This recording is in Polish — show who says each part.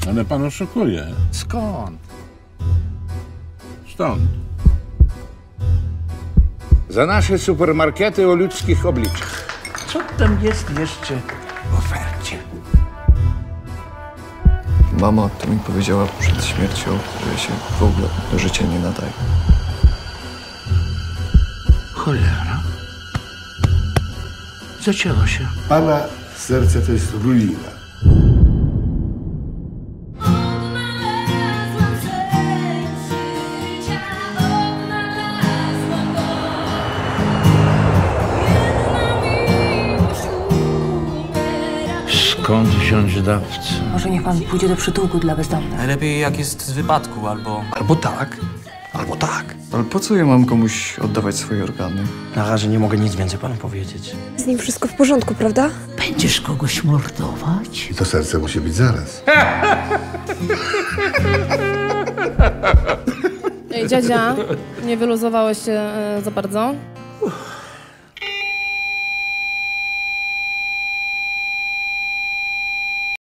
Speaker 1: Ale pan oszukuje.
Speaker 2: Skąd?
Speaker 1: Stąd.
Speaker 2: Za nasze supermarkety o ludzkich obliczach. Co tam jest jeszcze w ofercie?
Speaker 3: Mama to mi powiedziała przed śmiercią, że ja się w ogóle do życia nie nadaje.
Speaker 2: Cholera. Zaczęło się.
Speaker 4: Pana serce to jest ruina.
Speaker 2: Skąd wziąć dawcę?
Speaker 5: Może niech pan pójdzie do przytułku dla bezdomnych.
Speaker 6: Najlepiej jak jest z wypadku, albo...
Speaker 3: Albo tak, albo tak. Ale po co ja mam komuś oddawać swoje organy?
Speaker 6: Na razie nie mogę nic więcej panu powiedzieć.
Speaker 7: Z nim wszystko w porządku, prawda?
Speaker 2: Będziesz kogoś mordować?
Speaker 4: I to serce musi być zaraz.
Speaker 8: Ej, dziadzia, nie wyluzowałeś się za bardzo?